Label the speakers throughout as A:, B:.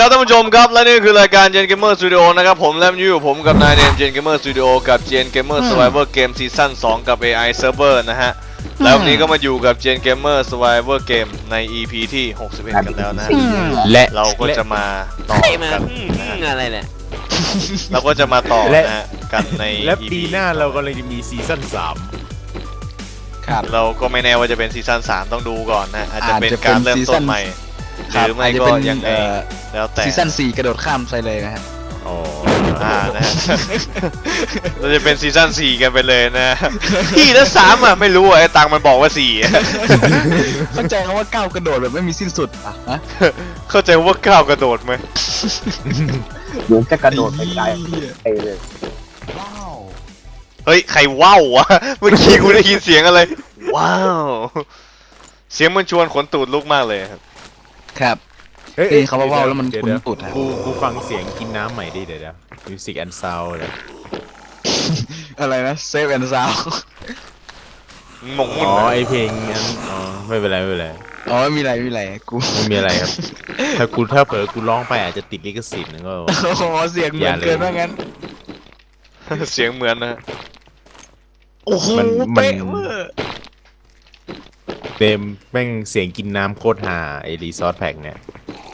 A: ครับท่านผู้ชมครับและนี่คือรายการ Gen Gamer Studio นะครับผมและอยู่ผมกับนายเนม Gen Gamer Studio กับ Gen Gamer Survivor Game Season 2 กับ AI Server นะฮะแล้ววันนี้ก็มาอยู่กับ Gen Gamer Survivor Game ใน EP ที่ 61 กันแล้วนะฮะและเราก็จะมาต่อกันนะฮะ
B: อะไรเนี่ย
A: เราก็จะมาต่อนะฮะกันใน
C: และ
A: EP
C: ปีหน้าเรากำลังจะมีซีซั่น3
A: เราก็ไม่แน่ว่าจะเป็นซีซั่น3ต้องดูก่อนนะอาจจะเป็นการเริ่มต้นใหม่หรือไม่ก็ยังไงแล้วแต่
D: ซีซั่น4กระโดดข้ามไปเลยนะฮะ
C: อ๋อ
A: นะฮะ เราจะเป็นซีซั่น4กันไปเลยนะพี่แล้ว3อ่ะไม่รู้ไอ้ตังมันบอกว่า4
D: เข้าใจคำว่าก้าวกระโดดแบบไม่มีสิ้นสุดอ่ะฮะ
A: เข้าใจว่าก้าวกระโดดไหม
E: เดี๋ยวจะกระโดดไปไกลไปเลย
A: เฮ้ยใครว้าววะเมื่อกี้กูได้ยินเสียงอะไรว้าวเสียงมันชวนขนตูดลุกมากเลยครับ
D: ครับ
C: เฮ้ย
D: เขาว่าแล้วมันคุ้นตุดฮะ
C: กูฟังเสียงกินน้ำใหม่ดิเดี๋ยวมิวสิกแอนด์ซาวด์เลย
D: อะไรนะเซฟแอนด์ซาว
A: งงมุ่น
C: อ๋อ
A: นะ
C: ไอเพลงนั้นอ๋อไม่เป็นไรไม่เป็นไร
D: อ๋อไม่มีอะไรกู
C: ไม่มีอะไรครับ ถ้าเผลอกูร้องไปอาจจะติดลิขสิทธิ์นะก็
D: โอ้โหเสียงเหมือนเกินว่างั้น
A: เสียงเหมือนนะ
D: โอ้โห
C: มัน
D: เป๊ะเวอร์
C: เต็มแม่งเสียงกินน้ำโคตรฮาไอรีซอสแพ็กเนี่ย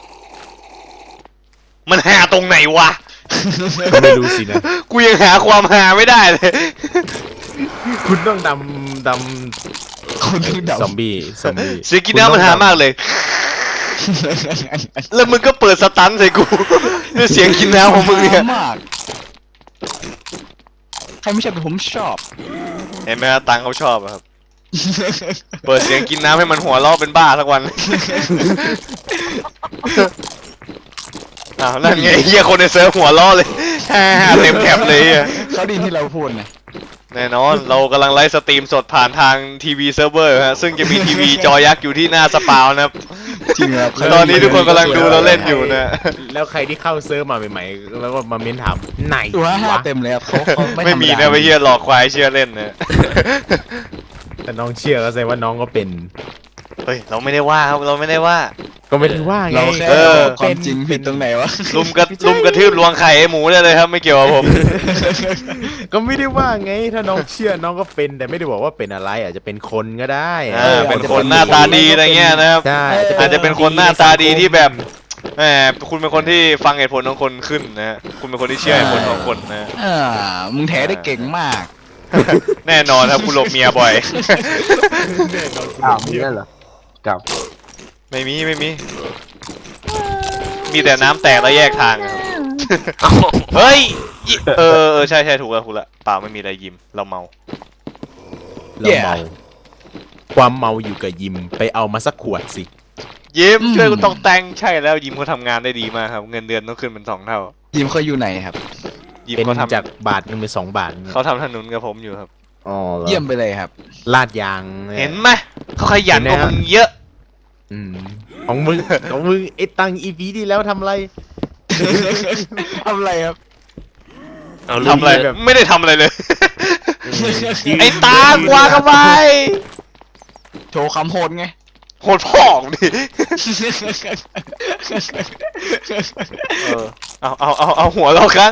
A: มันหาตรงไหนวะ
C: ก็ไม่รู้สินะ
A: กูยังหาความหาไม่ได้เลย
C: คุณต้อง
D: คนถึงดับ
C: ซอมบี้
A: เสียงกินน้ำมันหามากเลย แล้วมึงก็เปิดสตันใส่กูด้วยเสียงกินน้ำของมึงเนี่ย
D: มากใครไม่ชอบแต่ผมชอบ
A: เห็นไหมฮะตังเขาชอบอะครับ เปิดเสียงกินน้ำให้มันหัวเราะเป็นบ้าสักวัน อ้าวนั่นไงเฮียคนในเซิร์ฟหัวเราะเลย เต็มแคปเลยอะ
D: เขาไดีที่เราพูดนะ
A: แน่นอนเรากำลังไลฟ์สตรีมสดผ่านทางทีวีเซิร์ฟเวอร์ฮะซึ่งจะมีทีวีจอยักษ์อยู่ที่หน้าสปาวนะครับ
D: จริงครับ
A: ตอนนี้ทุกคนกำลังดูเราเล่นอยู่นะ
C: แล้วใครที่เข้าเซิร์ฟมาใหม่ๆแล้วก็มาเม้นถามไหน
D: ตัวห้าว
C: ะ
D: เต็มเลยครับเขา
A: ไม่มี
D: ไม่ธรรดา
A: นะไปเฮียหลอกควายเชื่อเล่นนะ
C: แต่น้องเชื่อก็แสดงว่าน้องก็เป็น
A: เฮ้ยเราไม่ได้ว่าครับเราไม่ได้ว่า
C: ก็ไม่ได้ว่าไง
D: เราแค่
A: เออ
D: บอกความจริงผิดตรงไหนวะ
A: ลุมกระทืบลวงไข่ไอ้หมูได้เลยครับไม่เกี่ยวกับผม
C: ก็ไม่ได้ว่าไงถ้าน้องเชื่อน้องก็เป็นแต่ไม่ได้บอกว่าเป็นอะไรอาจจะเป็นคนก็ได้
A: เป็นคนหน้าตาดีอะไรเงี้ยนะครับ
C: ใช่
A: อาจจะเป็นคนหน้าตาดีที่แบบแหมคุณเป็นคนที่ฟังเหตุผลของคนขึ้นนะฮะคุณเป็นคนที่เชื่อเหตุผลของคนนะ
D: อ่ามึงแถได้เก่งมาก
A: แน่นอนครับคุณหลบเมียบ่อย
E: อ้าวมีได้เหรอกับ
A: ไม่มีมีแต่น้ำแตกแล้วแยกทางอะครับเฮ้ยใช่ถูกแล้วเปล่าไม่มีอะไรยิ้มเราเมา
C: เราเมาความเมาอยู่กับยิมไปเอามาสักขวดสิ
A: ยิ้มช่วยกูตกแต่งใช่แล้วยิ้มเขาทำงานได้ดีมากครับเงินเดือนต้องขึ้นเป็น2 เท่า
D: ทีมเขาอยู่ไหนครับ
A: ยิ้ม
C: เป็น
A: เขาทำ
C: จากบาทหนึงเป็น2 บาท
A: เขาทำถนนกับผมอยู่ครับ
C: อ๋อ
D: เยี่ยมไปเลยครับ
C: ลาดยาง
A: เห็นไหมเขาขยันกว่ามึงเยอะ
C: อืมของมึงไอ้ตังอีพีที่แล้วทำอะไร
D: ทำอะไรครับ
A: ทำอะไรไม่ได้ทำอะไรเลย ไอ้ตากวางกันไป
D: โชว์คำโหดไง
A: โหดพ่องดิเอาหัวเราครับ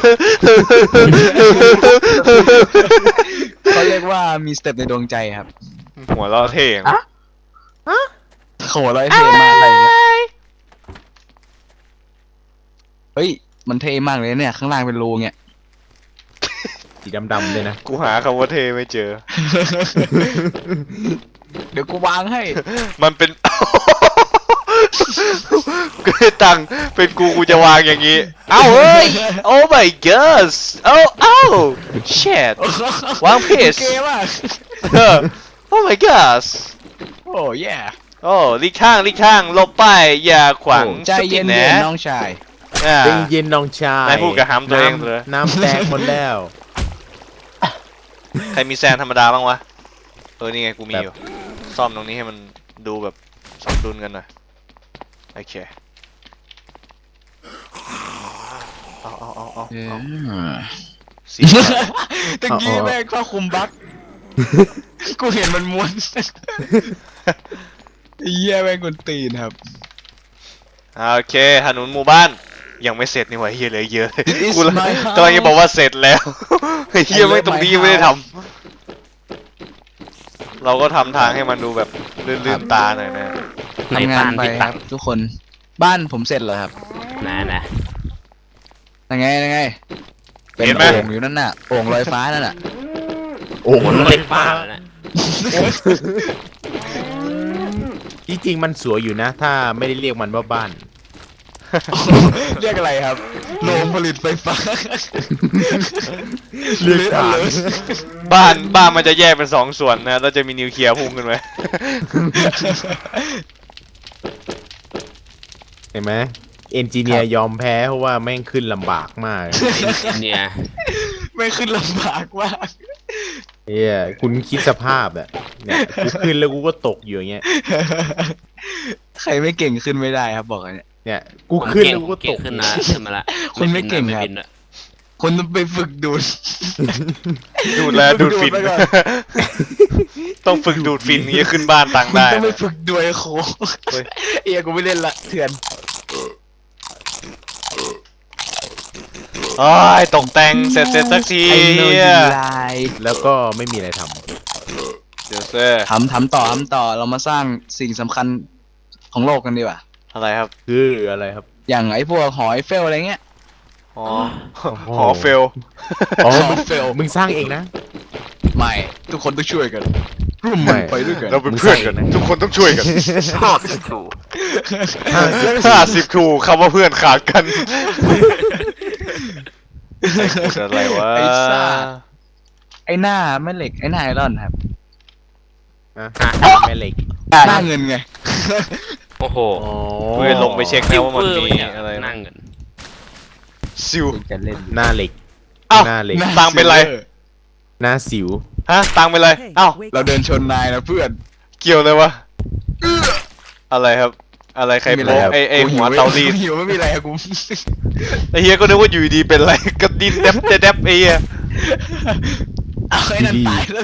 D: เขาเรียกว่ามีสเต็ปในดวงใจครับ
A: หัวเราเท่ง
D: โหร้อยเท่มากอะไรเงี้ยเฮ้ยมันเท่มากเลยเนี่ยข้างล่างเป็นรูเนี่ย
C: สีดำๆเลยนะ
A: กูหาคำว่าเท่ไม่เจอ
D: เดี๋ยวกูวางให้
A: มันเป็น กูได้ตังค์เป็นกูจะวางอย่างนี้ เอ้าเฮ้ย oh my god เอ้า shit วางผิด
D: เก๋มาก
A: oh my god
D: โอ้แย่
A: โอ้ลีกข้างหลบไปอย่าขวาง
D: ใจเย็น
A: สติ
D: ๆน้องชาย
A: อ่า
C: เย็นๆน้องชาย
A: นายพูดกับฮัมตัวเองเลย
C: น้ำแตกหมดแล้ว
A: ใครมีแซนธรรมดาบ้างวะนี่ไงกูมีอยู่ซ่อมตรงนี้ให้มันดูแบบสมดุลกันหน่อยโอเคเอาสี
D: ตะกี้แม่งเข้าคุมบั๊กกูเห็นมันม้วนเหี้ยแม่งกวนตีนครับ
A: โอเคถนนหมู่บ้านยังไม่เสร็จนี่หว่าเฮียเหลือเยอะ
D: is
A: กู
D: my house
A: กำลังจะบอกว่าเสร็จแล้วเฮียไม่ตรงนี้ยังไม่ได้ทำเราก็ทำทางให้มันดูแบบลื่นๆตาหน่อยนะ
D: ทำงานไปครับทุกคนบ้านผมเสร็จแล้วครับ
B: นะ
D: ยังไงยังไงเป็น
A: เห็นไหม
D: โอ่งอยู่นั่นน่ะโอ่งลอยฟ้านั่นน่ะ
C: โอ้โห
B: มันเล็กฟ้าแล้วนะ
C: จริงๆมันสวยอยู่นะ ถ้าไม่ได้เรียกมันว่าบ้าน
D: เรียกอะไรครับโรงผลิตไฟฟ้า
C: เรียกฐาน
A: บ้านมันจะแยกเป็น2 ส่วนนะแล้วจะมีนิวเคลียร์พุ่งขึ้นไป
C: เห็นไหมเอนจิเนียร์ยอมแพ้เพราะว่าแม่งขึ้นลำบากมาก
B: เนี่ย
D: ไม่ขึ้นลำบากมาก
C: เฮียคุณคิดสภาพอะเนี่ยกูขึ้นแล้วกูก็ตกอยู่อย่างเงี้ย
D: ใครไม่เก่งขึ้นไม่ได้ครับบอกเลยเนี่ย
C: เนี่ยกูขึ้นแล้วกูก็
B: เก่
C: ต
B: ง
C: ก
B: ขึ้นนะขึ้นมาละ
D: คุณไม่เก่งครับ
B: บินอะ
D: คนต้องไปฝึกดูด
A: ดูดแล้วดูดฟิน
D: ดูดไปก่อน
A: ต้องฝึกดูดฟินนี้ขึ้นบ้านตัง
D: คุณ
A: ได้
D: ต้องไป
A: นะ
D: ฝึกด้วยโค
A: เฮ้ย
D: เอียกูไม่เล่นละเถื่อน
A: โอ้ยตกแต่งเสร็จสักที
D: ไอ้โน
A: เหี้
D: ดี
A: ย
D: ไล
C: แล้วก็ไม่มีอะไรท
A: เดี๋ยวเซ่
D: ทำต่อเรามาสร้างสิ่งสำคัญของโลกกันดีกว่า
A: อะไรครับ
C: ำคืออะไรครับ
D: อย่างไอ้พวกหอไอเฟลอะไรเงี้ย
A: อ๋อหอเฟล
C: อ๋อ
D: หอเฟล
C: มึงสร้างเองนะ
D: ไม่ทุกคนต้องช่วยกันร่วมมือไปด้วยกัน
A: เราเป็นเพื่อนกัน ทุกคนต้องช่วยกัน
B: ชอบถูก
A: 50 ครูคำว่าเพื่อนขาดกันพูดอะไรวะ
D: ไอ้ซ่าไอ้หน้าแม่เหล็กไอ้หน้าไอรอนครับ
C: นะแม่เหล็ก
D: หน้าเงินไง
B: โอ้โห
C: อ๋อ
A: เพื่อนลงไปเช็คนะว่ามันมี
B: ซิลเว
A: อะไร
B: นั่งกัน
A: ซิว
E: จะเล่น
C: หน้าเหล็ก
A: อ้าว
C: หน้าเหล็ก
A: ตังค์เป็นไร
C: หน้าสิว
A: ฮะตังค์เป็นไรเอ้า
D: เราเดินชนนายนะเพื่อน
A: เกี่ยวเลยวะอะไรครับ อะไรใคร
D: ม่มี
A: โป๊ก
D: ครับ
A: ไอ้หัวเตารีด
D: กูหิวไม่มีอะไรครับกู
A: ไอ้เฮียก็นึกว่าอยู่ดีเป็นไรก็ดินแดบแดบไอ้เฮีย
D: เอาไอ้นั่นตายแล้ว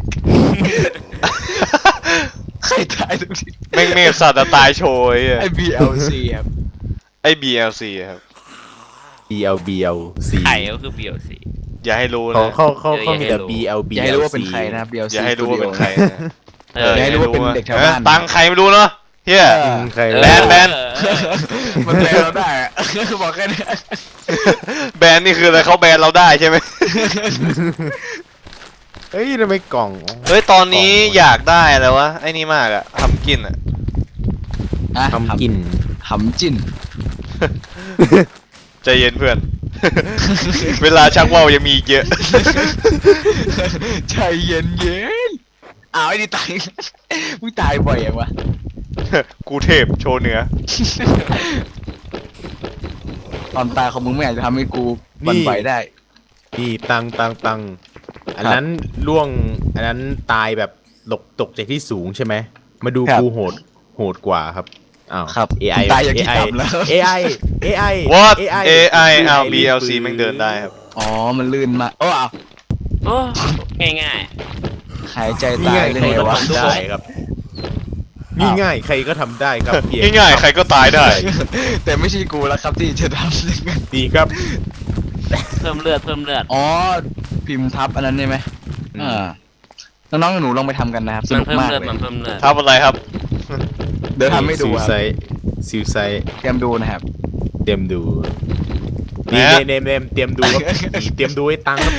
D: ใครตายตรงนี้
A: แม่งเมฆสัตว์อะตายโชยไอ้เหี้ย
D: ไอ้ BLC ครับ
A: ไอ้ BLC ครับ
C: BLBLC
B: ไข่ก็คือเบียวสิ
A: อย่าให้รู้
C: เขา
A: นะ
C: เขามีแต่
B: อย่
D: อย่าให้รู้ว่าเป็นใครนะครับ BLC
A: อย่าให้รู้ว่าเป็นใครนะ
D: อย่าให้รู้ว่าเป็นเด็กแถวบ้าน
A: ตังค์ใครไม่รู้เนาะเฮีย
C: ใคร
A: แบน
D: มันแบนเราได้อะบอกแค่นี้
A: แบนนี่คืออะไรเขาแบนเราได้ใช่ไหม
C: เฮ้ยทำไมกล่อง
A: เฮ้ยตอนนี้อยากได้อะไรวะไอ้นี่มากอะทำกินอะ
C: ทำกิน
D: หำจิ้น
A: ใจเย็นเพื่อน เวลาชักว่าวยังมีอีกเยอะ
D: ใจเย็นเย็นอ้าวไอ้นี่ตายมึงตายบ่อยยังวะ
A: กูเทพโชว์เหนือ
D: ตอนตายของมึงไม่อาจจะทำให้กูบันไหวได้
C: นี่ตังอันนั้นล่วงอันนั้นตายแบบตกจากที่สูงใช่ไหมมาดู
D: ครับ
C: กูโหดกว่าครับอ้าว
D: ครับ
C: AI
D: ตายอย่างที่ทำแล้ว
C: AI
A: What AI อ้าว BLC แม่งเดินได้ครับ
D: อ๋อมันลื่นมากโอ้อ้าว
B: โอ้ง่าย
D: หายใจ
C: นี่
D: ตาย
C: ง่าย
D: ได้
C: ใคร
D: ไง
C: ก็
D: วะ
C: ทำได้ครับนี่ง่ายใครก็ทำได้ครับเพียง
A: ง่ายๆใครก็ตายได้
D: แต่ไม่ใช่กูแล้วครับที่จะทำอย่างนั้น
C: ดีครับ
B: ๆเพิ่มเลือด
D: อ๋อพิมพ์ทับอันนั้นใช่ไหมน้องๆหนูลองไปทำกันนะครับส
B: มัน
D: นุก
B: เพิ่ม
D: มาก
B: เลือด
D: เลย
B: มันเพิ่มเลือด
A: ทำอะไรครับ
D: เดี๋ยวทำให้ดูครับ
C: ซิวไซ
D: เตรียมดูนะครับ
C: เตรียมดูนี่
A: นะ
C: เนมเตรียมดูครับเตรียมดูให้ตังครับ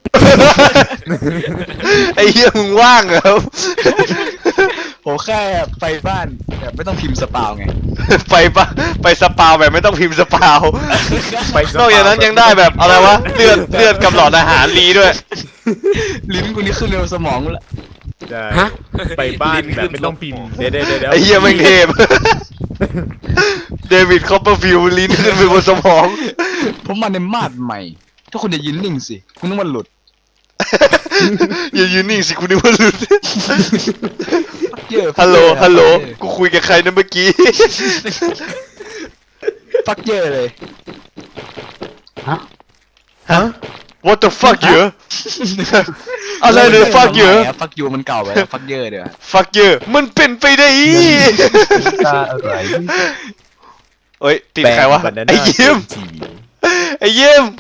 A: ไอ้เหี้ยมึงว่างเหรอครับ
D: ผมแค่ไปบ้านแบบไม่ต้องพิมพ์สปาวไง
A: ไปสปาวแบบไม่ต้องพิมพ์สปาว
C: ไป
A: นอกจากนั้นยังได้แบบอะไรวะเลือดกับหลอดอาหารรีด้วย
D: ลิ้นกูนี่ขึ้นเร็วสมองกูละ
C: ได้
B: ฮะ
C: ไปบ้านแบบไม่ต้องพิมพ์เดี๋ยว
A: ไอ้เหี้ยแม่งเทพ เดวิดคอปเปอร์ฟิลด์ลิ้นขึ้นไปบนสมอง
D: ผมมาในมาดใหม่ ถ้าคุณจะยืนนิ่งสิคุณต้องมันหลุด
A: อย่ายืนนิ่งสิคุณนึกว่าหลุด
D: เยอะ
A: ฮัลโหลกูคุยกับใครนะเมื่อกี้
D: ฟักเยอะเลย
C: ฮะ
A: What the fuck เยอะ อะไรเนี่ย fuck เยอะ
D: ฟักยูมันเก่าไปแล้วฟักเยอะเดี๋ยว
A: fuck เยอะมันเป็นไปได้อี
E: ตาอะไร
A: เอ้ยติดใครวะ
C: แปลง
A: ไอ้
C: banana
A: ยิ้ม
C: ที
A: ไอ้ยิ้ม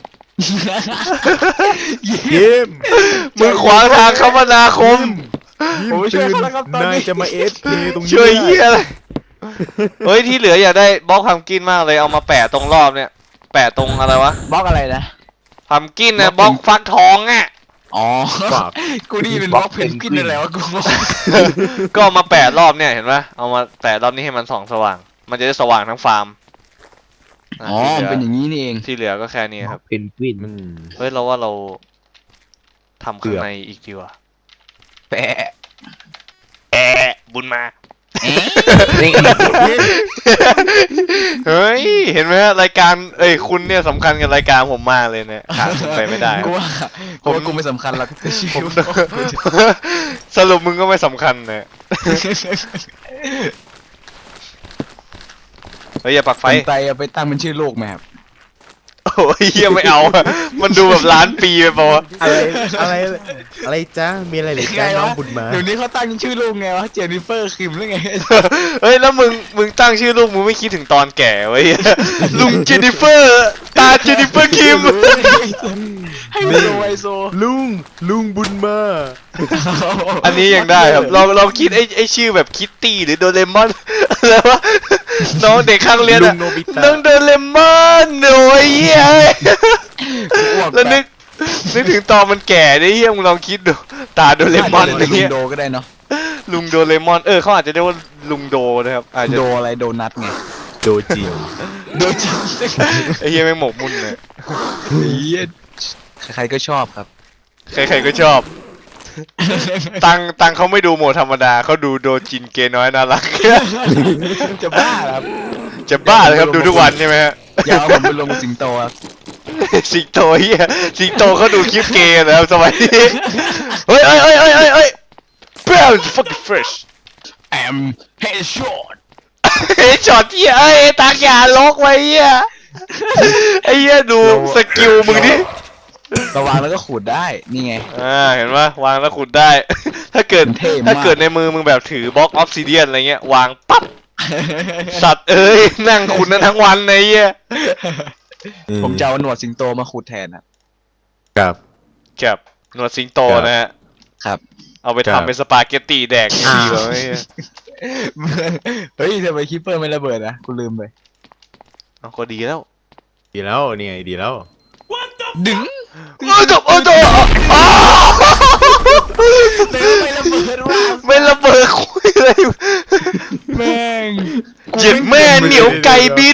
C: ยิ้ม
A: มึงขวางทางคมนาคม
C: ยิ้ม
D: ผมไปช่วย
C: ตื่น
D: เขาแล้วครับตอนนี้
C: นายจะมาเอฟเคตรงนี้
A: ช่วย
C: ไม่
A: เฮีย
C: ได้
A: อะไรเฮ้ยที่เหลืออยากได้บล็อกพัมกินมากเลยเอามาแปะตรงรอบเนี่ยแปะตรงอะไรวะ
D: บล็อกอะไรนะ
A: พัมกินนะบล็อกฟักทองอ่ะ
D: อ๋อ
C: ฝาก
D: กูนี่เป็นบล็อกเพนกวินอะไรวะกู
A: ก็เอามาแปะรอบเนี่ยเห็นปะเอามาแปะรอบนี้ให้มันส่องสว่าง มันจะได้สว่างทั้งฟาร์ม
D: อ๋อเป็นอย่างนี้นี่เอง
A: ที่เหลือก็แค่นี้ครับ
E: เพนกวิน
C: อืม
A: เฮ้ยเราว่าเราทำ
C: เกื
A: ข้าง
C: อบ
A: ในอีกดีกว่า
D: แปะ
A: บุญมา
E: นี่
A: เฮ้ยเห็นไหมฮะรายการเอ้ยคุณเนี่ยสำคัญกับรายการผมมากเลยเนี่ยขาดคุณไปไม่ได้
D: กูว่ากูไม่สำคัญหรอกแต่ชี
A: ผม
D: วิต
A: สรุปมึงก็ไม่สำคัญเนี่ยเฮ้ยอย่าปักไฟ
D: ไฟไตเอาไปตั้งเป็นชื่อโลกไหมครับ
A: โอ้ยเฮียไม่เอาอะมันดูแบบล้านปีไปปะวะ
C: อะไรอะไรจ้ามีอะไรเหรือจ้าน้องบุญมา
D: เดี๋ยวนี้เขาตั้งชื่อลูกไงวะเจนนิเฟอร์คิมหรือไง
A: เฮ้ยแล้วมึงตั้งชื่อลูกมึงไม่คิดถึงตอนแก่ไว้ยลุงเจนนิเฟอร์ตาเจนนิเฟอร์คิม
D: ให้มันโซไอโซ
C: ลุงบุญมา
A: อันนี้ยังได้ครับเราคิดไอ้ชื่อแบบคิตตี้หรือโดเรมอนอะไรวะน้องเด็กข้างเรียน
C: ลุ
A: อะ
C: งโนบิตะ
A: น้องโดเรมอนโอ้ยเหี้ยแล้วนึกถึงตอนมันแก่ได้เฮียมึงลองคิดดูตาโดเรมอนอะไร
D: ลุง
A: เงี้ย
D: โดก็ได้เนาะ
A: ลุงโดเรมอนเขาอาจจะเรียกว่าลุงโดนะครับอาจจะ
D: โดอะไรโดนัทไง
C: โดจิ
D: โดจริง
A: ไอ้เฮียไม่งหมกมุ่นเลย
D: ใครๆก็ชอบครับ
A: ใครๆก็ชอบ ตังเขาไม่ดูโหมดธรรมดาเขาดูโดจินเกน้อยน่ารัก
D: จะบ้าเหรอครับ
A: จะบ้าเลยครับดูทุกวันใช่ไหมฮะ
D: อย่าเอาผมไปลงสิงโตครับ
A: สิงโตเฮียสิงโตเขาดูคลิปเกย์นะครับสมัยนี้เฮ้ยBrown fucking fresh
D: แอมเฮดช็อต
A: เฮ้ยช็อตเฮียตากอย่าลกไว้เฮียไอ้เฮียดูสกิลมึงดิ
D: ระวังแล้วก็ขูดได้นี่ไง
A: เห็นปะวางแล้วขุดได้ ถ้าเกิด
D: เท่มาก
A: ถ้าเกิดในมือมึงแบบถือบล็อกออฟซิเดียนอะไรเงี้ยวางปั๊บสัตว์เอ้ยนั่งขุดนั้นทั้งวันไอ้เหี้ย
D: ผมจะเอาหนวดสิงโตมาขูดแทนครับ
C: ครับ
A: ครับหนวดสิงโตนะฮะ
D: ครับ
A: เอาไป
C: ครับ
A: ทำเป็นสปาเกตตีแดกดีกว่าไอ้เหี้ย
D: เฮ้ยทำไมคิปเปอร์ไม่ระเบิดนะกูลืมไป
A: เอาก็ดีแล้ว
C: ดีแล้วเนี่ยดีแล้ว
D: ดึง
A: จบอ้าว
D: ไม่ระเบิดว่ะ
A: ไม่ระเบิดคุยเลย
D: แม่ง
A: เจ็บแม่เหนียวไก่บิน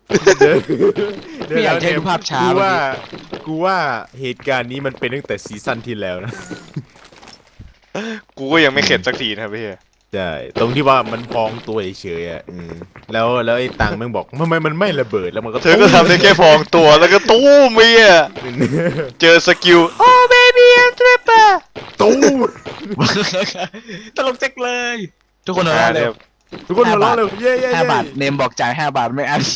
D: ไม่อยากใช้รูปภาพช้า
C: กูว่าเหตุการณ์นี้มันเป็นตั้งแต่ซีซั่นที่แล้วนะ
A: กูก็ยังไม่เข็ดสักทีนะครับพี่
C: ใช่ตรงที่ว่ามันพองตัวเฉยๆอ่ะแล้วไอ้ตังแม่งบอกทำไมมันไม่ระเบิดแล้วมันก็
A: เธอก็ทำได้แค่พองตัวแล้วก็ตู้มเมียเจอสกิลโอ้เบบี้แอนทริปเปอร์
C: ตู้
D: ตลกจักเลย ทุกคนหัวเราะเลย
C: ทุกคนหัวเราะเลยเย้เย้
D: 5 บาทเนมบอกจ่าย5 บาทไม่อัน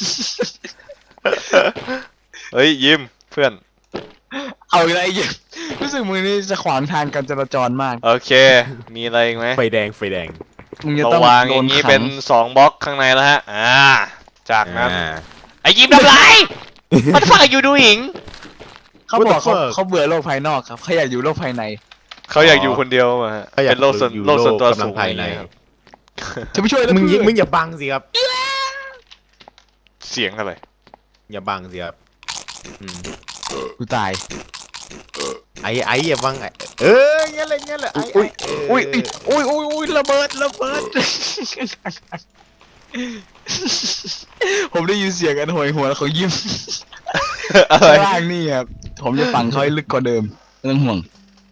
A: เฮ้ยยิ้มเพื่อน
D: เอาอะไรอีกรู้สึกมือนี่จะขวางทางการจราจรมาก
A: โอเค มีอะไรอีกไหม
C: ไฟแดง
D: มึงจะ
A: เรา
D: ต้อง
A: วาง
D: โด
A: อน ย่างนี้
D: ขัง
A: เป็น2บล็อกข้างในแล้วฮะ จากนั้น
C: อ่า
A: ไอ้ยิ้มทำไรมันฟังอยู่ดูหิง
D: เขาบอก
C: What the fuck
D: เขาเบื่อโลกภายนอกครับเขาอยากอยู่โลกภายใน
A: เขาอยากอยู่คนเดียวมาฮะ
C: เขาอยาก
A: เป็นโลกส่วน
C: อยู่
A: โลกส่วนตัว
C: โลกกำลั
A: สู
C: ง
A: ง
C: ภายใน
A: ครับ
D: จะไม่ช่วยแล้ว
C: มึง
D: เพื่อน
C: มึงอย่าบังสิครับ
A: เสียงอะไร
C: อย่าบังสิครับอืม
D: กูตาย
C: ไอ้อย่าบังงั้นเลยไอ้
D: อุ้ย
C: เ
D: อุ้ยอุ้ยระเบิด ผมได้ยินเสียงกันโหยหวนของยิ้ม
A: อะไร
D: ข้างล่างนี่ครับผมจะฝังเขาให้ลึกกว่าเดิมไม่ต้องห่วง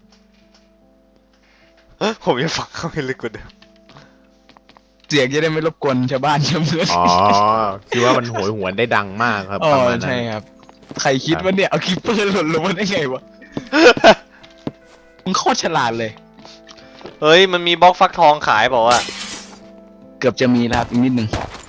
A: ผมยังฟังเขาไม่ลึกกว่าเดิม
D: เสียงจะได้ไม่รบกวนชาวบ้านชาวเมือง
C: อ๋อคือว่ามันโหยหวนได้ดังมากครับ
D: อ๋อ
C: ประมาณนั้น
D: ใช่ครับ ใครคิดว่าเนี่ยเอาคิปเปอร์หล่นลงมาได้ไงวะมึงโคตรฉลาดเลย
A: เฮ้ยมันมีบล็อกฟักทองขายบอกว่า
D: เกือบจะมีแล้วครับอีกนิดนึง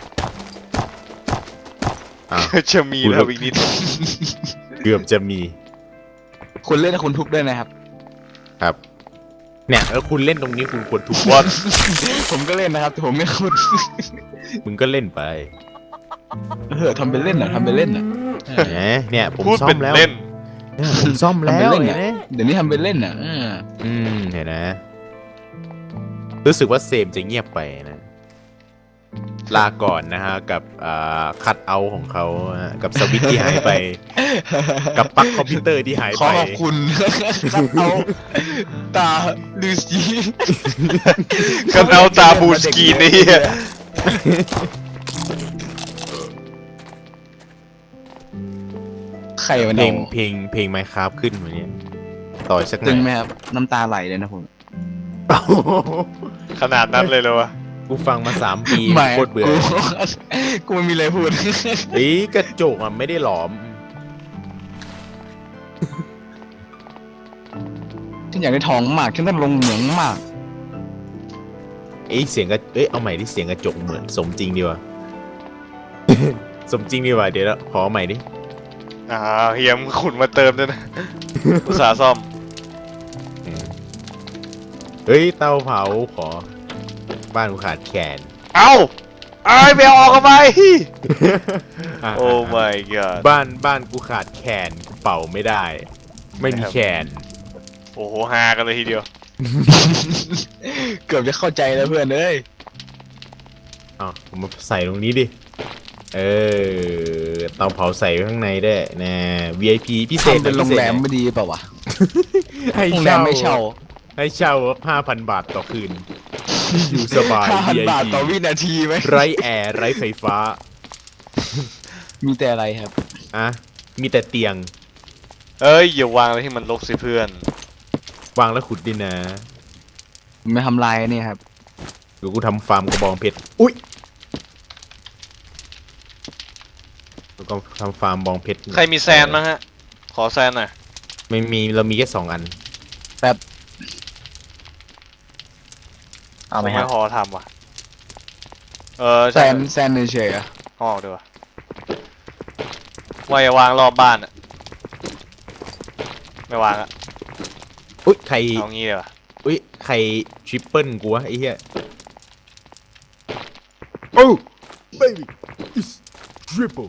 C: อ่ะ
A: จะมีแล้วอีกนิด
C: เกือบจะมี
D: คุณเล่นนะคุณทุบด้วยนะครับ
C: ครับ เนี่ยแล้วคุณเล่นตรงนี้คุณควรถูก
A: บอล
D: ผมก็เล่นนะครับแต่ผมไม่คุณ
C: มึงก็เล่นไป
D: ทำเป็นเล่นอ่ะทำเป็นเล่นอ่ะ
C: เนี่ยผม
A: พูด
C: ซ่อ
A: เป็น
C: มแล้ว
A: เล่น
C: เนี่ยผมซ่อม
D: ทำ
C: แล้
D: เป็น
C: ว
D: เล่น
C: เห็น
D: อ่ะ
C: ไหม
D: เดี๋ยวนี้ทำเป็นเล่นอ่ะ
C: เห็นนะ รู้สึกว่าเซมจะเงียบไปนะ ลาก่อนนะฮะ กับคัทเอาท์ของเขาฮะกับสวิตช์ที่หายไป กับปลั๊กคอมพิวเตอร์ที่หาย
D: ขอ
C: ไป
D: ขอบคุณครับเอาตาลูซี
A: กันเอาตาบูสกีนนี่
D: ใครมัน
C: เพลงไมค์ครับขึ้นวันนี้ต่อยสักหน่
D: ตึ
C: อง
D: ไหม
C: ย
D: ครับน้ำตาไหลเลยนะผม
A: ขนาดนั้นเลยเหรอวะ
C: กูฟังมา3 ปี
D: ไม่
C: โคตรเบื่อ
D: กูไม่มีอะไรพูด
C: เฮ้ยกระจกอ่ะไม่ได้หลอม
D: ฉันอยากได้ทองมากฉันต้องลงเหมืองมาก
C: เสียงกระเอาใหม่ดิเสียงกระจกเหมือนสมจริงดีว่ะ สมจริงดีว่ะเดี๋ยวขอใหม่ดิ
A: เฮียมขุนมาเติมด้วยนะ อุตสาห์ซ่อม
C: เฮ้ยเตาเผาขอ บ้านกูขาดแขน
A: เอ้าไอ้ไปเอาออกกันไป โอ้ my god
C: บ้านกูขาดแขนกูเป่าไม่ได้ ไม่มีแขน
A: โอ้โหฮากันเลยทีเดียว
D: เกือบจะเข้าใจแล้วเพื่อนเอ้ย
C: อ้าวผมมาใส่ตรงนี้ดิ เตาเผาใส่ไว้ข้างในได้นะ VIP พิเศษ
D: ทำเป็นโรงแรมไม่ดีเปล่าวะ
C: ให้
D: โรงแรมไม่เช่า
C: ให้เช่า 5,000 บาทต่อคืน อยู่สบาย
D: 5,000 บาท
C: VIP
D: ต่อวินาทีไหม
C: ไร้แอร์ไร้ไฟฟ้า
D: มีแต่อะไรครับ
C: อ่ะมีแต่เตียง
A: เอ้ยอย่าวางอะไรที่มันรกสิเพื่อน
C: วางแล้วขุดดินนะ
D: ไม่ทำลายเนี่ยครับ
C: เดี๋ยวกูทำฟาร์มกระบองเพชร อุ้ยแล้วก็ทำฟาร์มบองเพชร
A: ใครมีแซนมั้งฮะ ขอแซนหน่อย
C: ไม่มี เรามีแค่2 อัน
E: เอาไหมครับ
A: ไม่พอทำว่ะ
D: แซนเฉยๆอะ
A: ห่อดีกว่าว่าอย่าวางรอบบ้านอะไม่วางอะ
C: อุ้ยใคร
A: เอางี้เลยวะ
C: อุ้ยใครทริปเปิลกูวะไอ้เหี้ย โอ้ baby is triple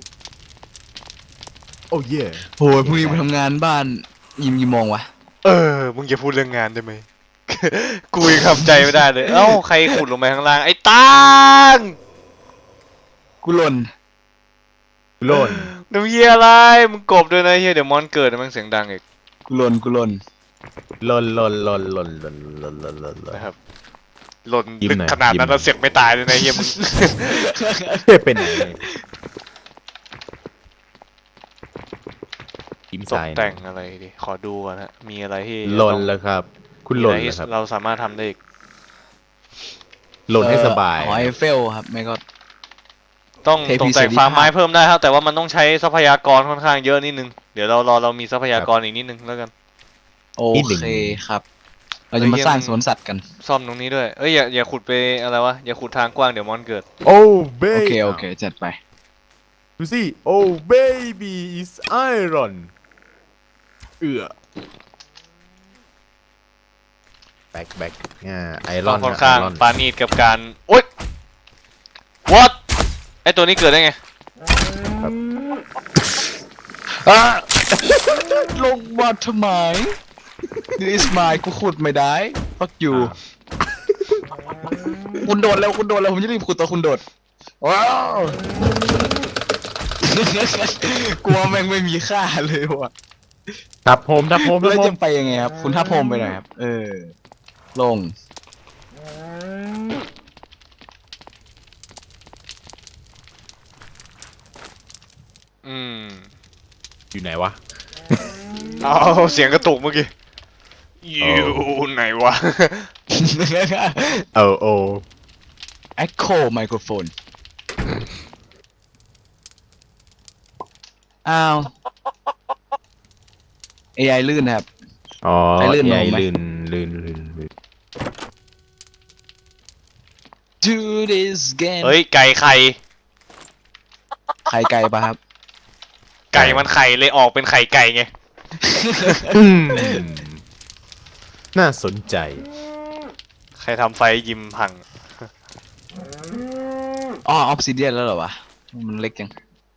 C: oh yeah
D: โหพรุ่งนี้ไปทำงานบ้านยิมกี่โมงวะ
A: มึงอย่าพูดเรื่องงานได้ไหม กูยังทำใจไม่ได้เลย เอ้าใครขุดลงไปข้างล่างไอ้ตัง
D: กูหล่น
C: โล่น
A: น้ำเฮียอะไร มึงกบด้วยนะเฮียเดี๋ยวมอนเกิดมันเสียงดังอีก
D: กูหล่น
C: หล่น
A: นะครับ หล่น
C: ยิ้ม
A: ลึก
C: หน่อย
A: ขนาดนั้น
C: ยิ้มหน่อย
A: เราเสียงไม่ตายเลยนะเฮียมึง
C: เป็นไหนยิ้ม
A: ต
C: ใจ
A: กแต่งอะไรดิ ขอดูก่อนฮะ มีอะไรที่
C: หล่นแล้วครับ คุณหล่น
A: มีอะไร
C: แล้ว
A: ที่
C: ครับ
A: เราสามารถทำได้อีก
C: หล่นให้สบาย
D: หอไอเฟลครับไม่ก็
A: ต้อง
D: เทพี
A: ตกแต่ง
D: เสรี
A: ฟาร์ม
D: ภาพ
A: ไม้เพิ่มได้ครับ แต่ว่ามันต้องใช้ทรัพยากรค่อนข้างเยอะนิดนึง เดี๋ยวเรามีทรัพยากรอีกนิดนึงแล้วกัน
D: โอเคครับ เราจะมาสร้างสวนสัตว์กัน
A: ซ่อมตรงนี้ด้วย เอ้ยอย่าขุดไปอะไรวะ อย่าขุดทางกว้างเดี๋ยวมอนเกิด
C: โอ้เบ
D: โอเคจัดไป
C: ดูสิ oh baby is iron แบ็คไอร
A: ต้
C: อ
A: อน งค่อนข้างปานีดกับการโอ๊ย what ไอตัวนี้เกิดได้ไง
D: ลงมาทำไม This is mine กูขุดไม่ได้ fuck you คุณโดดแล้วผมจะรีบขุดตัวคุณโดดว้าวกลัวแม่งไม่มีค่าเลยว่ะ
C: ทับโฮม
D: แล้วจะไปยังไงครับ คุณทับโฮมไปหน่อยครับ ลง
C: อยู่ไหนวะ
A: เอาเสียงกระตุกเมื่อกี้ อยู่ไหนวะ
C: โอ้
D: Echo Microphone อ้าว AI ลื่นนะครับ
C: อ๋อ
D: ใครลื่น
C: ใหญ่
D: ลงไหม
C: ลื่น
D: Do this game
A: เฮ้ย ไก่ไข่
D: ไข่ไก่ปะครับ
A: ไก่มันไข่เลยออกเป็นไข่ไก่ไง
C: น่าสนใจ
A: ใครทำไฟยิมพัง
D: อ๋อ Obsidian แล้วเหรอวะมันเล็กจัง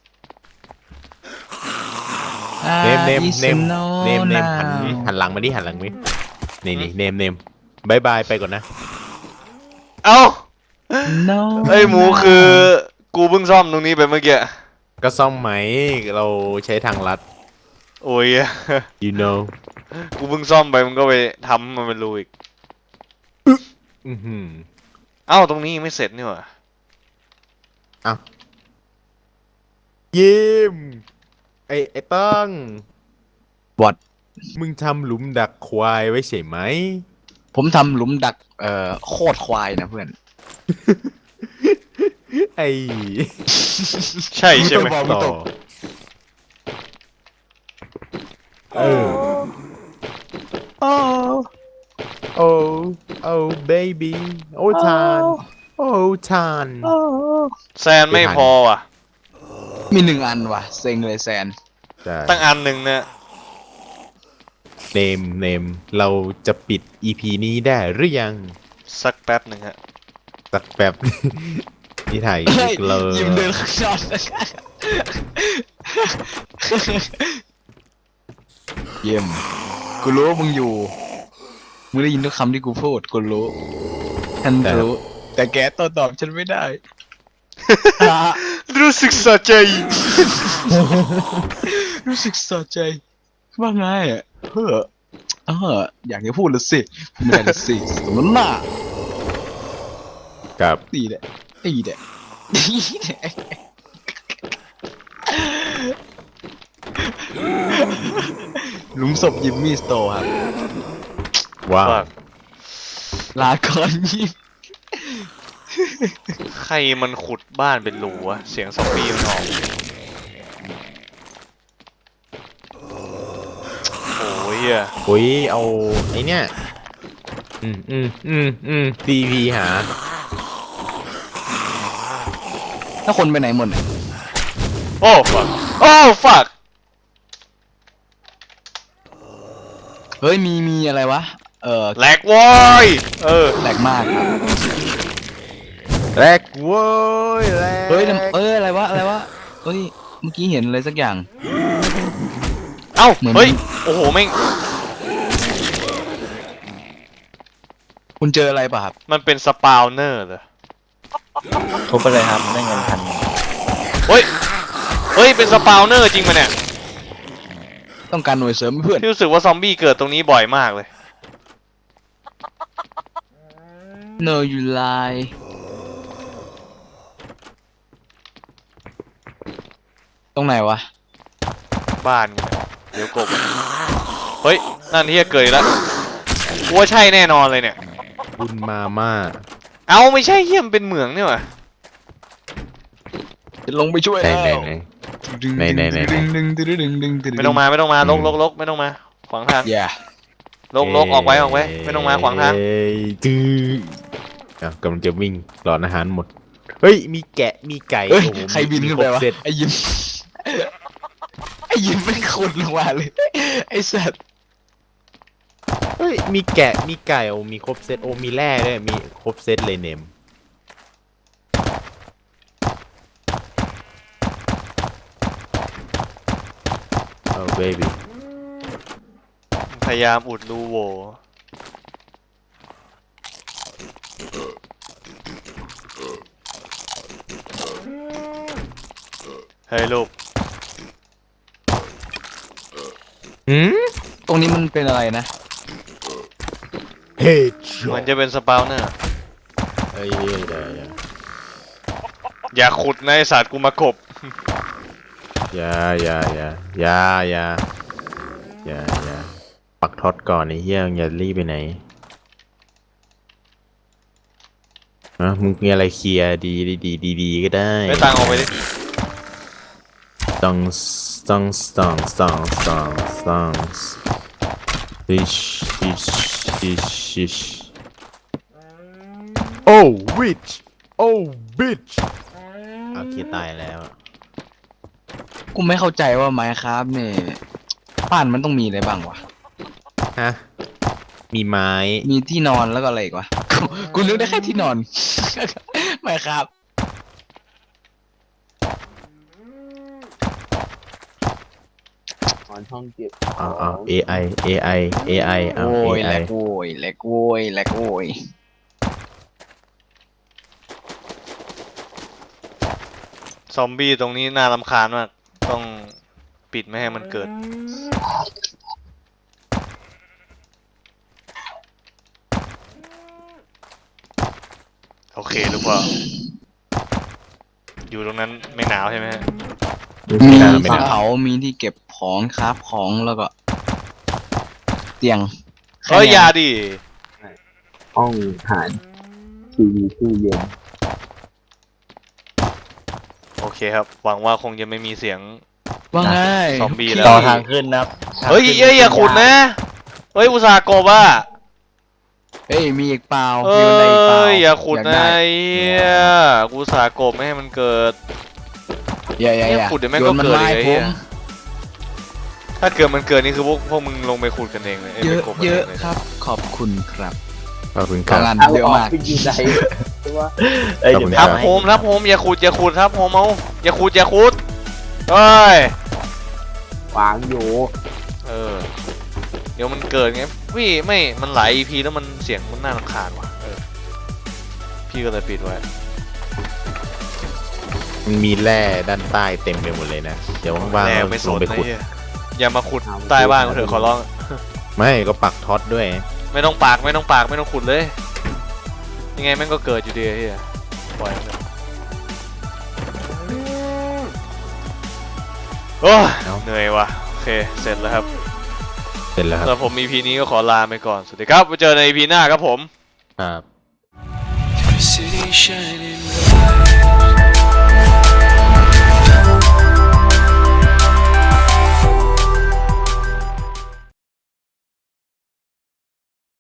C: เนมหันหลังมาดิหันหลังมาดินี่เนมบายบายไปก่อนนะ
A: เอ้า
D: No
A: ไอ้ยหมูคือกูเพิ่งซ่อมตรงนี้ไปเมื่อกี้
C: ก็ซ่อมไหมเราใช้ทางลัด
A: โอ้ย
C: you know
A: กูเพิ่งซ่อมไปมึงก็ไปทำมันเป็นรูอีก
C: อือหือ
A: เอ้าตรงนี้ยังไม่เสร็จนี่หว่า
C: ยิ้มไอ้ตั้ง
D: What
C: มึงทำหลุมดักควายไว้ใช่ไหม
D: ผมทำหลุมดักโคตรควายนะเพื่อน
C: ไอ้
A: ใช่ใช่ไหม
D: ต้องบอก
C: ต่อเออ
D: โอ้
C: โอ้ baby โอ้ทานโอ้ทาน
A: แซนไม่พอว่ะ
D: มี1 อันว่ะเซ็งเลยแซน
C: ใช่
A: ตั้งอันหนึ่งเนี่ย
C: เนมเราจะปิด EP นี้ได้หรือยัง
A: สักแป๊บหนึ่งฮะ
C: สักแป๊บ ที่ถ่าย
D: เฮ้ย
C: เลย
D: ยิมเดินข้างนอกเยี่ยมกูรู้ว่ามึงอยู่มึงได้ยินทุกคำที่กูพูดกูรู้ฉันรู้ แต่แกโต้ตอบฉันไม่ได้
A: รู้สึกสะใจ
D: รู้สึกสะใจว่าไงอ่ะอยากจะพูดเลยสิพูดไม่ได้เลยสิสมน้ำหน้า
C: กับ
D: ตีแหละหลุมศพยิมมี่สโตร์ครับ
C: ว้าว
D: ลาก่อนยิม
A: ใครมันขุดบ้านเป็นรูวะ เสียงซอมบี้มันออก โอ้ยอ่ะ
C: โอ้ยเอาไอเนี้ยTV หา
D: ถ้าคนไปไหนหมดเนี่ย
A: โอ้ fuck โอ้ fuck
D: เฮ้ยมีอะไรวะ
A: แหลกวอย
D: แหลกมากครับ
C: แรกโว้ยแรก
D: เฮ้ยอะไรวะเฮ้ยเมื่อกี้เห็นอะไรสักอย่าง
A: เอ้า
D: เหมือน
A: เฮ้ย โอ้โหแม่ง
D: คุณเจออะไรป่ะครับ
A: มันเป็นสปาวเนอร์เหรอ
E: ทุบไปเลยครับได้เงินพัน
A: เฮ้ย เป็นสปาวเนอร์จริงปะเนี่ย
D: ต้องการหน่วยเสริมเพื่อน
A: ที่รู้สึกว่าซอมบี้เกิดตรงนี้บ่อยมากเลย
D: No you lie ตรงไหนวะ
A: บ้านไงเดี๋ยวกบ เฮ้ย นั่นที่จะเกิดอีกแล้วกูว่าใช่แน่นอนเลยเนี่ย
C: บุญมาม่า
A: เอ้าไม่ใช่เยี่ยมนเป็นเหมืองนี่หว่า
D: จะลงไปช่วย
C: ไหน
D: แล้ว
C: ไหน
A: ไม่ต้องมาลกไม่ต้องมาขวางทาง
D: อย่า
A: ลกออกไว้ไม่ต้องมาขวางทาง
C: จื้อกำลังจะวิ่งหลอนอาหารหมด เฮ้ย มีแกะมีไก่
D: เฮ้ย
C: โอ้โห
D: ใครบินขึ้นไปวะ
C: มีครบเซต
D: ไอ้ยิมไอ้ยิมไม่ขุดลงมาเลยไอ้สัตว์
C: เฮ้ย มีแกะมีไก่โอ้มีครบเซตโอ้มีแร่ด้วยมีครบเซตเลยเนมโอ้เบบี้
A: พยายามอุดรูโหว่เฮ้ยลูก
D: ตรงนี้มันเป็นอะไรนะ
C: เฮ้ย
A: เหมือนจะเป็นสปาวเนอร์
C: เฮ้ยเดี๋ยว
A: อย่าขุดในะไอ้สัตว์กูมากบ
C: อย่าปักท็อตก่อนไอ้เหี้ยอย่ารีบไปไหนมึงมีอะไรเคลียร์ดีก็ได้
A: ไม่ตังออกไปดิ
C: ต้องดิชโอ้วิชโอ้บิชโอเคตายแล้ว
D: กูไม่เข้าใจว่าไมค์ครับเนี่ยบ้านมันต้องมีอะไรบ้างวะ
C: ฮะมีไม้
D: มีที่นอนแล้วก็อะไรอีกวะ กูนึกได้แค่ที่นอน ไมค์ครับ
E: นอนห้องเก็บ
C: เอา AI AI AI เอา
D: โอ้ยแหล
C: AI
D: กโว้ยแหลกโว้ยแหลกโว้ย
A: ซอมบี้ตรงนี้น่ารำคาญมากต้องปิดไม่ให้มันเกิด โอเคหรือเปล่าอยู่ตรงนั้นไม่หนาวใช่ไหมฮะ
D: มี
C: ไม่
D: ที่
C: ได้
D: เผามีที่เก็บของคราฟของแล้วก็ เตียง
A: เอ้ยอยาดิ
E: ห้องอาหารทีวีตู้เย็น
A: โอเคครับ หวังว่าคงจะไม่มีเสียง
D: ว่าไง
A: ซอมบี้แล้ว
C: ต่อทางขึ้นนะครับ
A: เฮ้ยเอ้ยอย่าขุดนะ เฮ้ยอุตส่าห์กบอ่ะ
D: เอ้ยมีอีกเปล่า
A: เอ้
D: มีบันไดอีกเปล่าย
A: อย่าขุด
D: ก
A: นะ
D: ไ
A: ไอ้เหี้ยกูอุตส่าห์กบไม่ให้มันเกิด
D: อย่าอย่า
A: เนี่ย
D: อย่า
A: ขุดเดี๋ยวแม่ง
D: โย
A: ก็
D: นมัน
A: เกิด
D: ไม้
A: อีกไอ้
D: ผ
A: เหี้ย
D: ม
A: ถ้าเกิดมันเกิดนี่คือพวกมึงลงไปขุดกันเองเลยอ้
D: เย
A: ไป
D: อะ
A: กบกัน
D: เย
A: ง
D: อะ
A: ล
D: ครับ ขอบคุณครับ
C: ขอบคุณค
D: กา
C: รับ
D: รัน
E: เอา
D: เยอะ
E: ออก
D: มาก
E: ไปอยู่ไหนตัว
C: ขอบคุณค
A: ทั
C: รั
A: บบ โฮมทับโฮมอย่าขุดอย่าขุดทับโฮมเอาอย่าขุดอย่าขุดเฮ้ยว
E: างอยู่
A: เออเดี๋ยวมันเกิดไงพี่ไม่มันหลาย EP แล้วมันเสียงมันน่ารำคาญว่ะเออพี่ก็เลยปิดไว้
C: มันมีแร่ด้านใต้เต็มไปหมดเลยนะ เดี๋ยวว่างๆ
A: แรง
C: เรา
A: ไม่ส
C: ลง
A: น
C: ไป
A: นะ
C: ขุด
A: เหี้ยอย่ามาขุดใต้บ้านกูเถอะขอร้อง
C: ไม่ก็ปักท็อตด้วย
A: ไม่ต้องปากไม่ต้องปากไม่ต้องขุดเลย ยังไงแม่งก็เกิดอยู่ดีไอ้เฮียปล่อยมันเถอะโอ้ย
C: เอ้า
A: เหนื่อยว่ะโอเคเสร็จแล้วครับ
C: เสร็จแล้วครับ
A: สำหรับผม EP นี้ก็ขอลาไปก่อนสวัสดีครับไว้เจอใน EP หน้าครับผม
C: ครับ
F: City shining